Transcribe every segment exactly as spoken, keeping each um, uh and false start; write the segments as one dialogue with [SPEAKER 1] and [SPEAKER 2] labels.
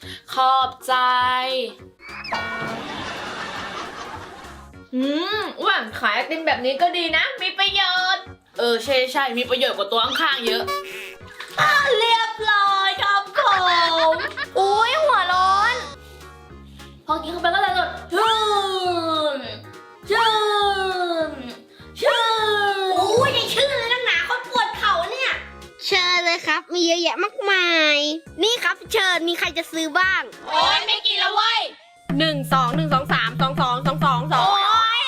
[SPEAKER 1] ขอบใจอืมอ้วนขายไอติมแบบนี้ก็ดีนะมีประโยชน์เออใช่ใช่มีประโยชน์กว่าตัวข้างๆเยอะอ่ะเรียบร้อยครับผมอุ้ยหัวร้อนพอกินเข้าไปก็เลยแบบชื่นชื่นชื่น
[SPEAKER 2] โอ้ยได้ชื่อเลยนักหนาคนปวดเข่าเนี่ยเชิญเลยครับมีเยอะแยะมากมายนี่ครับเชิญมีใครจะซื้อบ้าง
[SPEAKER 1] โอ๊ยไม่กินแล้วเว้ย
[SPEAKER 3] หนึ่งสองหนึ่งสองสามสองสองสองสองสอง
[SPEAKER 1] โอ๊ย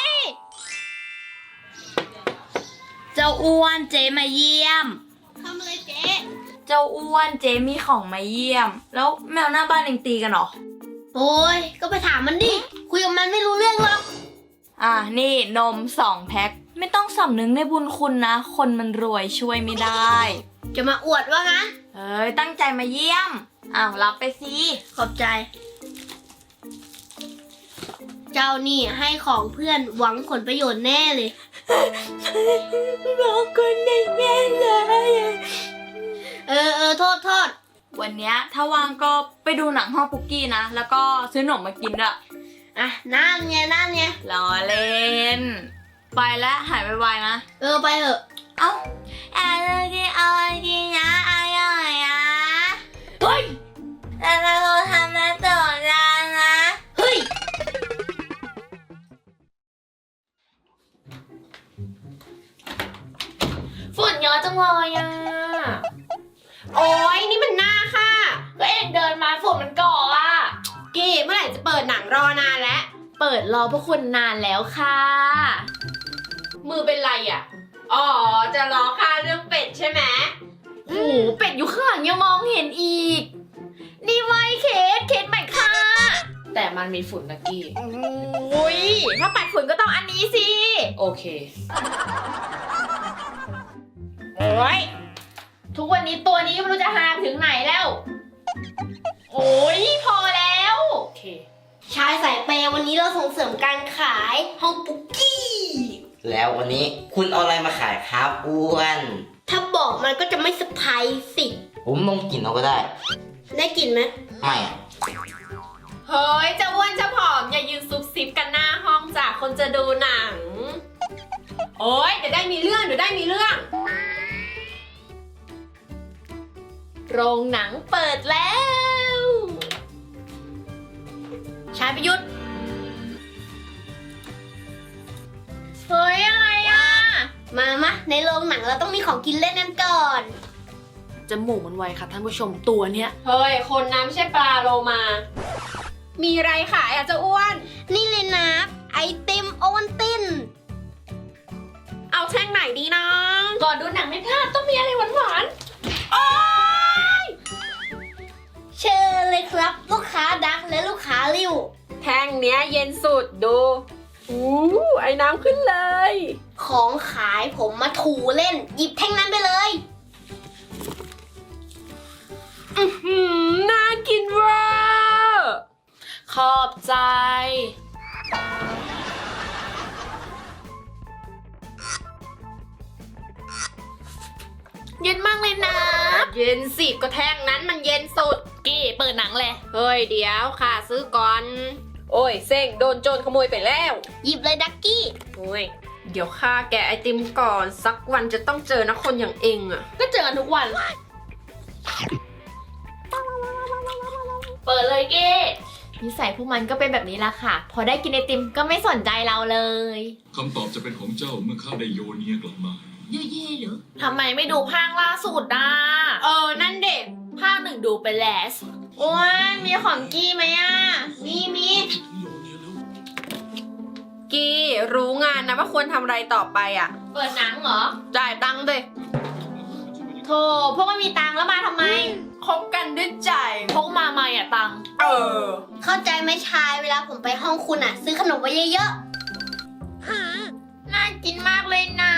[SPEAKER 1] เจ้าอ้วนเจมาเยี่ยม
[SPEAKER 2] ทำอะไรเจ๊
[SPEAKER 1] เจ้าอ้วนเจมีของมาเยี่ยม แล้วแมวหน้าบ้านเองตีกันเหรอ
[SPEAKER 2] โอ้ยก็ไปถามมันดิคุยกับมันไม่รู้เรื่องหรอก
[SPEAKER 1] อ่ะนี่นมสองแพ็คไม่ต้องสำนึกในบุญคุณนะ คนมันรวยช่วยไม่ได้
[SPEAKER 2] จะมาอวดว่างั้น
[SPEAKER 1] เอ้ยตั้งใจมาเยี่ยมอ้าวรับไปสิ
[SPEAKER 2] ขอบใจ เจ้านี่ให้ของเพื่อนหวังผลประโยชน์แน่เลย
[SPEAKER 1] บอกคนได้แย่เลย
[SPEAKER 2] เออเออโทษโทษ
[SPEAKER 1] วันเนี้ยถ้าว่างก็ไปดูหนังห้องปุกกี้นะ แล้วก็ซื้อขนมมากินด้วย
[SPEAKER 2] อ่ะนั่นไงนั่นไง
[SPEAKER 1] ล้อเล่น ไปแล้วหายไวๆนะ
[SPEAKER 2] เออไปเถอะ
[SPEAKER 1] เอ้าอะไรกินอะไรกินนะอะไรนะเฮ้ยแต่เราทำมาต่อจานนะ
[SPEAKER 2] เฮ้ย
[SPEAKER 1] ฝุ่นเยอะจังเลยอ่ะ
[SPEAKER 2] โอ้ยนี่มันหน้าค่ะ
[SPEAKER 1] ก็เองเดินมาฝุ่นมันก่ออ่ะ
[SPEAKER 2] กี้เมื่อไหร่จะเปิดหนังรอนานแล้ว
[SPEAKER 1] เปิดรอพวกคุณนานแล้วค่ะ
[SPEAKER 3] มือเป็นไรอ่ะ อ๋อ จะรอค่าเรื่องเป็ดใช่ไหม
[SPEAKER 1] โอ้โหเป็ดอยู่ข้างหลังยังมองเห็นอีก นี่ไวเคสเคสใหม่ค่ะ
[SPEAKER 3] แต่มันมีฝุ่นนะกี้
[SPEAKER 1] โอ้ยถ้าปัดฝุ่นก็ต้องอันนี้สิ
[SPEAKER 3] โอเค
[SPEAKER 1] โอ้ยทุกวันนี้ตัวนี้ไม่รู้จะหาถึงไหนแล้ว โอ้ยพอแล้ว
[SPEAKER 3] โอเค
[SPEAKER 2] ชายสายเปย์วันนี้เราส่งเสริมการขายห้องปุกกี้
[SPEAKER 4] แล้ววันนี้คุณเอาอะไรมาขายครับอ้วน
[SPEAKER 2] ถ้าบอกมันก็จะไม่เซอร์ไพรส์สิ
[SPEAKER 4] ผมลองกินเอาก็ได้
[SPEAKER 2] ได้กลิ่นไหม
[SPEAKER 4] ไม่อะ
[SPEAKER 3] เฮ้ย จะอ้วนจะผอม อย่ายืนซุบซิบกันหน้าห้องจากคนจะดูหนัง โอ๊ย เดี๋ยวได้มีเรื่อง เดี๋ยวได้มีเรื่อง
[SPEAKER 1] โรงหนังเปิดแล้ว
[SPEAKER 2] ชายประยุทธ์
[SPEAKER 1] เฮ้ยอะไรอ่ะ
[SPEAKER 2] มามะในโรงหนังเราต้องมีของกินเล่นกันก่อน
[SPEAKER 1] จมูกมันไวค่ะท่านผู้ชมตัวเนี้ย
[SPEAKER 3] เฮ้ย คนน้ำไม่ใช่ปลาโลมา มีอะไรขายอ่ะเจะอ้วน
[SPEAKER 2] นี่เลยนะ ไอติมโอวันติน
[SPEAKER 3] เอาแท่งไหนดีนะ
[SPEAKER 1] ก่อนดูหนังไม่พลาดต้องมีอะไรหวาน
[SPEAKER 2] เชิญเลยครับ ลูกค้าดักและลูกค้าริ้ว
[SPEAKER 3] แท่งเนี้ยเย็นสุดดูอู้ไอ้น้ำขึ้นเลย
[SPEAKER 2] ของขายผมมาถูเล่น หยิบแท่งนั้นไปเลย
[SPEAKER 3] อื้อหือน่ากินเวอร์
[SPEAKER 1] ๆขอบใจ เย็นมากเลยนะ
[SPEAKER 3] เย็นสิก็แท่งนั้นมันเย็นสุด
[SPEAKER 1] กี้เปิดหนังเลย
[SPEAKER 3] เฮ้ยเดี๋ยวค่ะซื้อก่อน โอ้ยเซ็งโดนโจรขโมยไปแล้ว
[SPEAKER 2] หยิบเลยดักกี้
[SPEAKER 3] โอ้ยเดี๋ยวข้าแกะไอติมก่อน สักวันจะต้องเจอนะคนอย่างเองอะ
[SPEAKER 1] ก็เจอกันทุกวัน เปิดเลยเก้นิสัยพวกมันก็เป็นแบบนี้ละค่ะ พอได้กินไอติมก็ไม่สนใจเราเลย
[SPEAKER 5] คำตอบจะเป็นของเจ้าเมื่อข้าได้โยเนียกลับมา
[SPEAKER 1] ทำไมไม่ดูภาคล่าสุดอ่ะ
[SPEAKER 3] เออนั่นเด็ก
[SPEAKER 1] ภาคหนึ่งดูไปแล้วโอ้ยมีของกี้ไหมอ่ะ
[SPEAKER 2] มีมี
[SPEAKER 3] กี้รู้งานนะว่าควรทำอะไรต่อไปอะ
[SPEAKER 1] เปิดหนังเหรอ
[SPEAKER 3] จ่ายตังค์เลย
[SPEAKER 1] โธ่พวกไม่มีตังค์แล้วมาทำไม
[SPEAKER 3] คบกันด้วยใจ
[SPEAKER 1] พกมาใหม่อ่ะตังค์
[SPEAKER 3] เออ
[SPEAKER 2] เข้าใจไหมชายเวลาผมไปห้องคุณอ่ะ ซื้อขนมไว้เยอะ
[SPEAKER 1] น่ากินมากเลยนะ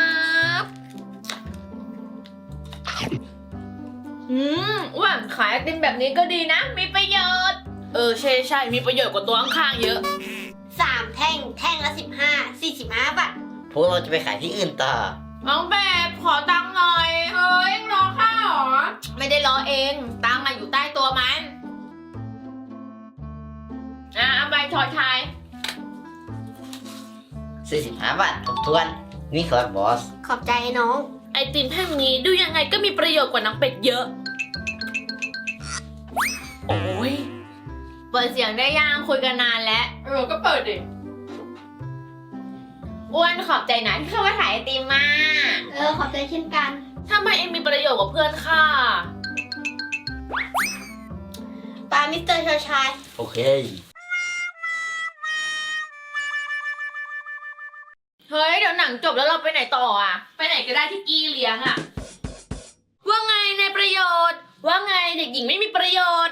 [SPEAKER 1] อืมอ้วนขายไอติมแบบนี้ก็ดีนะ มีประโยชน์ เออใช่ใช่มีประโยชน์กว่าตัวข้างๆเยอะ
[SPEAKER 2] ๆสามแท่งแท่งละสิบห้าสี่สิบห้าบาท
[SPEAKER 4] พวกเราจะไปขายที่อื่นต่อ
[SPEAKER 1] น้องแบบขอตังค์หน่อย เฮ้ยรอข้าหรอ ไม่ได้รอเอง ตังค์มาอยู่ใต้ตัวมันชอยชาย
[SPEAKER 4] สี่สิบห้าบาททบทวน นี่ครับบอส
[SPEAKER 2] ขอบใจน้อง
[SPEAKER 1] ไอติมแท่งนี้ดูยังไงก็มีประโยชน์กว่าน้องเป็ดเยอะ โอ้ยเปิดเสียงได้ยังคุยกันนานแล้ว
[SPEAKER 3] เออ ก็เปิดดิ
[SPEAKER 1] อ้วนขอบใจนะที่เข้ามาถ่ายไอติมมา
[SPEAKER 2] เออ ขอบใจเช่นกัน
[SPEAKER 1] ทำไมเองมีประโยชน์กว่าเพื่อนค่ะ
[SPEAKER 2] ปามิสเตอร์ชายชาย
[SPEAKER 4] โอเค
[SPEAKER 1] เฮ้ยเดี๋ยวหนังจบแล้วเราไปไหนต่ออ่ะ ไปไหนก็ได้ที่กี้เลี้ยงอ่ะ ว่าไงในประโยชน์ ว่าไงเด็กหญิงไม่มีประโยชน์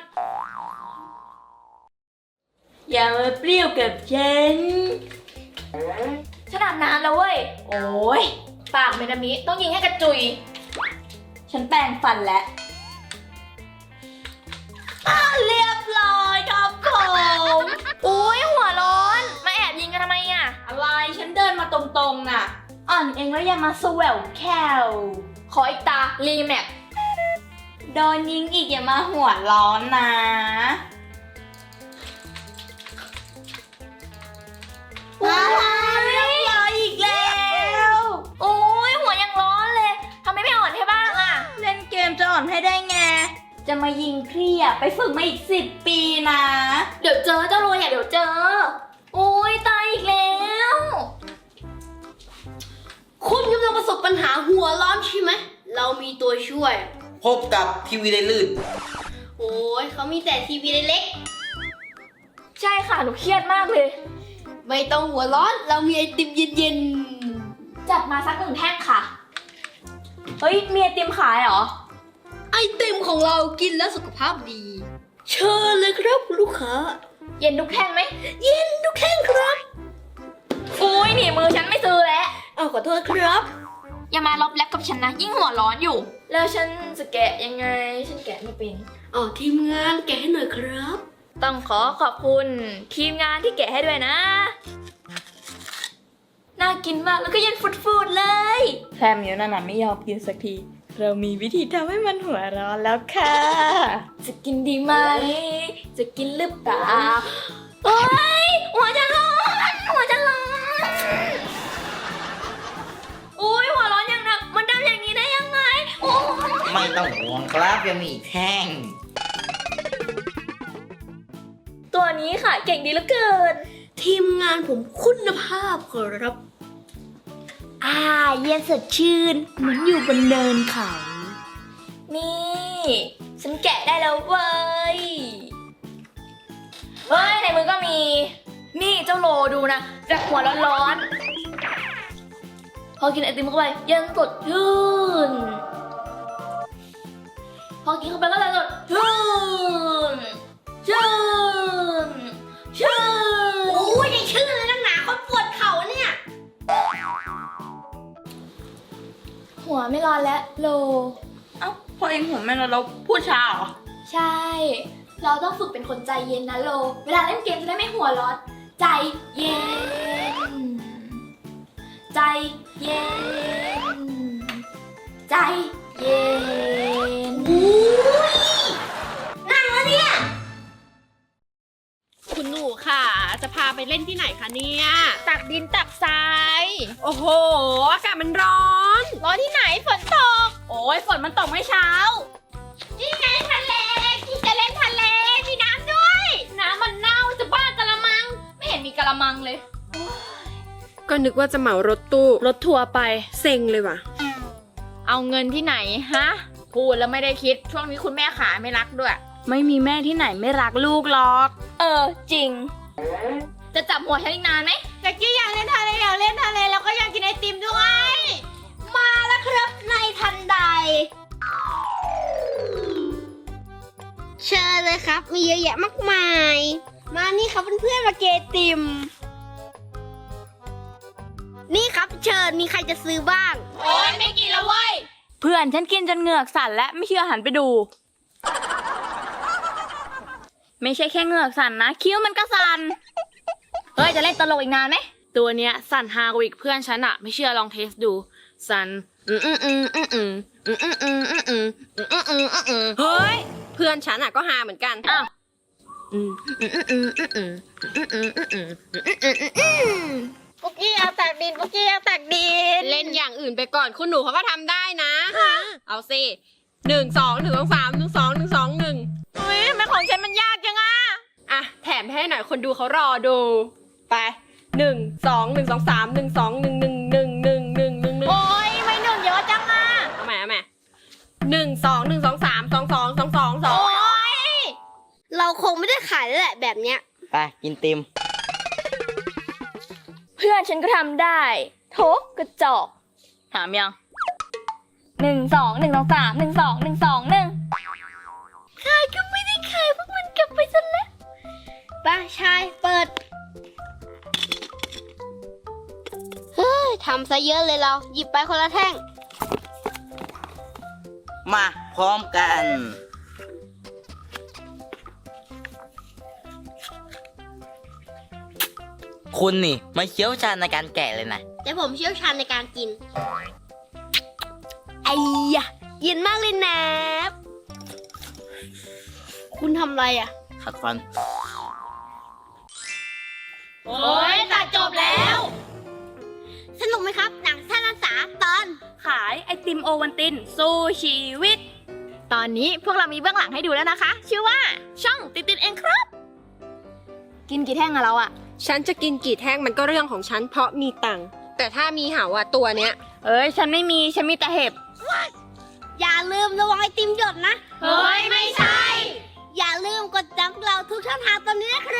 [SPEAKER 1] อย่ามาเปรี้ยวกับฉันฉันอาบน้ำแล้วเว้ย โอ้ยปากเมนามิต้องยิงให้กระจุย ฉันแปรงฟันแล้ว เรียบร้อยครับผมอุ้ยหัวร้อน มาแอบยิงกันทำไมอ่ะ
[SPEAKER 3] อะไร ฉันเดินมาตรงๆน่ะ
[SPEAKER 1] อ่อนเองแล้วอย่ามาสแววแคลขออีกตา รีแมปโดนยิงอีกอย่ามาหัวร้อนนะ ว้าวเรียบร้อยอีกแล้ว โอ้ยหัวยังร้อนเลยทำไมไม่อ่อนให้บ้างอ่ะ
[SPEAKER 3] เล่นเกมจะอ่อนให้ได้ไง
[SPEAKER 1] จะมายิงเครียดไปฝึกมาอีกสิบปีนะ เดี๋ยวเจอเจ้าโรยอ่ะเดี๋ยวเจอ โอ้ยตายอีกแล้ว
[SPEAKER 2] คุณกำลังประสบปัญหาหัวร้อนใช่ไหม เรามีตัวช่วย
[SPEAKER 4] พบกับทีวีได้ลื่น
[SPEAKER 2] โอ้ยเขามีแต่ทีวีเล็ก
[SPEAKER 1] ใช่ค่ะหนูเครียดมากเลย
[SPEAKER 2] ๆไม่ต้องหัวร้อน เรามีไอติมเย็น
[SPEAKER 1] จัดมาสักหนึ่งแท่งค่ะ เฮ้ยมีไอติมขายเหรอ
[SPEAKER 2] ๆ ไอติมของเรากินแล้วสุขภาพดี เชิญเลยครับคุณลูกค้า
[SPEAKER 1] เย็นทุกแท่งไหม
[SPEAKER 2] เย็นทุกแท่งครับ
[SPEAKER 1] อุ้ยหนีมือฉันไม่ซื้อแล้ว
[SPEAKER 2] เอาขอโทษครับ
[SPEAKER 1] อย่ามาลบแลบกับฉันนะ ยิ่งหัวร้อนอยู่ แล้วฉันจะแกะยังไง ฉันแกะไม่เป็น
[SPEAKER 2] อ๋อทีมงานแกะให้หน่อยครับ
[SPEAKER 1] ต้องขอขอบคุณทีมงานที่แกะให้ด้วยนะ น่ากินมากแล้วก็เย็นฟุดๆเลยแพมอยู่นั่นน่ะไม่ยอมกินสักที เรามีวิธีทำให้มันหัวร้อนแล้วค่ะ จะกินดีไหม จะกินหรือเปล่าโอ๊ยหัวจะร้อนหัวจะร้อนโอ๊ยหัวร้อนอย่างหนักมันทำอย่างนี้ได้ยังไงโอ๊ย
[SPEAKER 4] ไม่ต้องห่วงครับยังมีอีกแท่ง
[SPEAKER 1] ตัวนี้ค่ะเก่งดีเหลือเกิน
[SPEAKER 2] ทีมงานผมคุณภาพครับ
[SPEAKER 1] อ่าเย็นสดชื่นเหมือนอยู่บนเนินเขา นี่ ฉันแกะได้แล้วเว้ย เฮ้ย ในมือก็มี นี่เจ้าโลดูนะจากหัวร้อนๆ พอกินไอติมเข้าไปเย็นสดชื่น พอกินเข้าไปก็เลยสดชื่น ชื่น ชื่น
[SPEAKER 2] โอ้ยได้ชื่อเลยนักหนาเขาปวดเข่าเนี่ย
[SPEAKER 1] หัวไม่ร้อนแล้วโล
[SPEAKER 3] เอ้า พอเองหัวแม่เราเราพูดช้าเหรอ
[SPEAKER 1] ใช่ เราต้องฝึกเป็นคนใจเย็นนะโล เวลาเล่นเกมจะได้ไม่หัวร้อน ใจเย็น ใจเย็น ใจเย็น
[SPEAKER 2] นั่งแล้วเนี่ย
[SPEAKER 3] คุณหนูค่ะ จะพาไปเล่นที่ไหนคะเนี่ย
[SPEAKER 1] ตักดินตักทราย
[SPEAKER 3] โอ้โห อากาศมันร้อน
[SPEAKER 1] ร้อนที่ไหนฝนตก
[SPEAKER 3] โอ้ยฝนมันตกเมื่อเช้า
[SPEAKER 1] นี่ไงทะเลที่จะเล่นทะเล มีน้ำด้วย น้ำมันเน่าจะบ้ากะละมัง ไม่เห็นมีกะละมังเลย
[SPEAKER 3] ก็นึกว่าจะเหมารถตู้
[SPEAKER 1] รถทัวร์ไป
[SPEAKER 3] เซ็งเลยว่ะ
[SPEAKER 1] เอาเงินที่ไหนฮะ พูดแล้วไม่ได้คิด ช่วงนี้คุณแม่ขาไม่รักด้วย
[SPEAKER 3] ไม่มีแม่ที่ไหนไม่รักลูกหรอก
[SPEAKER 1] เออ จริง จะจับหัวฉันอีกนานไหม
[SPEAKER 2] ตะกี้อยากเล่นทะเลอยากเล่นทะเลแล้วก็อยากกินไอติมด้วย มาแล้วครับในทันใด เชิญเลยครับ มีเยอะแยะมากมาย มานี่ครับเพื่อนๆมาเกยติม นี่ครับเชิญมีใครจะซื้อบ้าง
[SPEAKER 1] โอ๊ยไม่กินแล้วเว้ย
[SPEAKER 3] เพื่อนฉันกินจนเหงือกสั่นและไม่เชื่อหันไปดู ไม่ใช่แค่เหงือกสั่นนะ คิ้วมันก็สั่น
[SPEAKER 1] เฮ้ย จะเล่นตลกอีกนานไหม
[SPEAKER 3] ตัวเนี้ยสั่นฮากว่าอีกเพื่อนฉันอะไม่เชื่อลองเทสดู สั่นอืมอืมอืมอืมอืมอืมอืมอืมอืมอืมอืมอืมอืมเฮ้ย เพื่อนฉันอะก็ฮาเหมือนกัน
[SPEAKER 1] อ้าว
[SPEAKER 2] ปุกกี้เอาตักดินปุกกี้เอาตักดิน
[SPEAKER 3] เล่นอย่างอื่นไปก่อนคุณหนูเขาก็ทำได้นะ เอาสิหนึ่งสองหนึ่งสองสามหนึ่งสองหนึ่งสองหนึ่ง
[SPEAKER 1] อุ้ยทำไมของฉันมันยากจังอะ
[SPEAKER 3] อ่ะแถมให้หน่อยคนดูเขารอดูไปหนึ่งสองหนึ่งสองสามหนึ่งสองหนึ่งหนึ่งหนึ่งหนึ่งหนึ่งหนึ่งหนึ่ง
[SPEAKER 1] โอ้ยไม่หนึ่งเยอะจังอะ
[SPEAKER 3] เอาใหม่เอาใหม่หนึ่งสองหนึ่งสองสามสองสองสองสองสอง
[SPEAKER 1] โอ้ย
[SPEAKER 2] เราคงไม่ได้ขายแล้วแหละแบบเนี้ย
[SPEAKER 4] ไปกินติม
[SPEAKER 1] เพื่อนฉันก็ทำได้โถกระจอกถามยังหนึ่งสองหนึ่งสองสามหนึ่งสองหนึ่งสองหนึ่งขายก็ไม่ได้ขายพวกมันเก็บไปซะแล้ว
[SPEAKER 2] ไป้าชายเปิด เฮ้ยทำซะเยอะเลยเรา หยิบไปคนละแท่ง
[SPEAKER 4] มาพร้อมกัน คุณนี่ไม่เชี่ยวชาญในการแกะเลยนะ
[SPEAKER 2] แต่ผมเชี่ยวชาญในการกิน ไอ้ยะเย็นมากเลยนะคุณทำอะไรอ่ะ
[SPEAKER 4] ขัดฟัน
[SPEAKER 1] โอ้ยตัดจบแล้ว
[SPEAKER 2] สนุกไหมครับ หนังสั้นภาษาตอน
[SPEAKER 1] ขายไอติมโอวันตินสู้ชีวิต ตอนนี้พวกเรามีเบื้องหลังให้ดูแล้วนะคะ ชื่อว่าช่องติดติดเองครับ กินกี่แท่งอะเราอะ
[SPEAKER 3] ฉันจะกินกี่แท่งมันก็เรื่องของฉันเพราะมีตังค์แต่ถ้ามีเหาอะตัวเนี้ย
[SPEAKER 1] เอ้ยฉันไม่มีฉันมีแต่เห็บ
[SPEAKER 2] อย่าลืมระวังไอติมหยดนะ
[SPEAKER 1] เฮ้ยไม่ใช่
[SPEAKER 2] อย่าลืมกดจังเราทุกช่องทางตอนนี้นะครับ